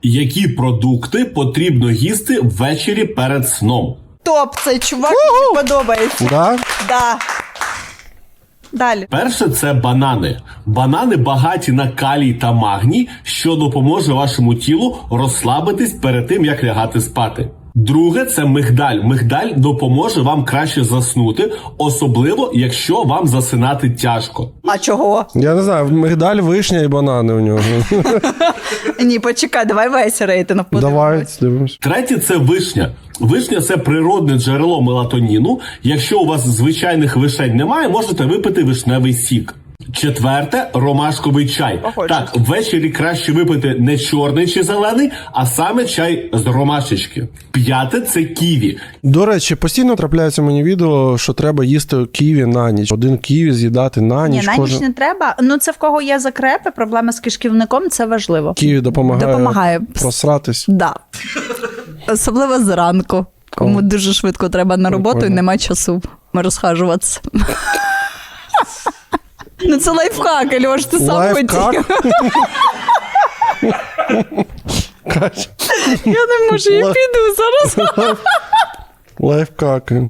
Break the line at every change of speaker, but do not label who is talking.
Які продукти потрібно їсти ввечері перед сном?
Топ, цей чувак мені подобається.
Да?
Да. Далі.
Перше – це банани. Банани багаті на калій та магній, що допоможе вашому тілу розслабитись перед тим, як лягати спати. Друге – це мигдаль. Мигдаль допоможе вам краще заснути, особливо, якщо вам засинати тяжко.
А чого?
Я не знаю, мигдаль, вишня і банани у нього.
Ні, почекай, давай весь рейтинг
Давай, дивимось.
Третє – це вишня. Вишня – це природне джерело мелатоніну. Якщо у вас звичайних вишень немає, можете випити вишневий сік. Четверте – ромашковий чай.
Погоджуюсь.
Так, ввечері краще випити не чорний чи зелений, а саме чай з ромашечки. П'яте – це ківі.
До речі, постійно трапляється мені відео, що треба їсти ківі на ніч. Один ківі з'їдати на ніч.
Ні, на ніч не треба. Ну, це в кого є закрепи, проблеми з кишківником, це важливо.
Ківі допомагає
Да.
просратись.
Особливо зранку, кому
О.
дуже швидко треба на роботу і
Прикольно.
немає часу розхажуватися. Ну, це лайфхак, Альош, ти сам
Лайфхак?
хотів.
Катя,
Я не можу, я піду зараз.
лайфхаки.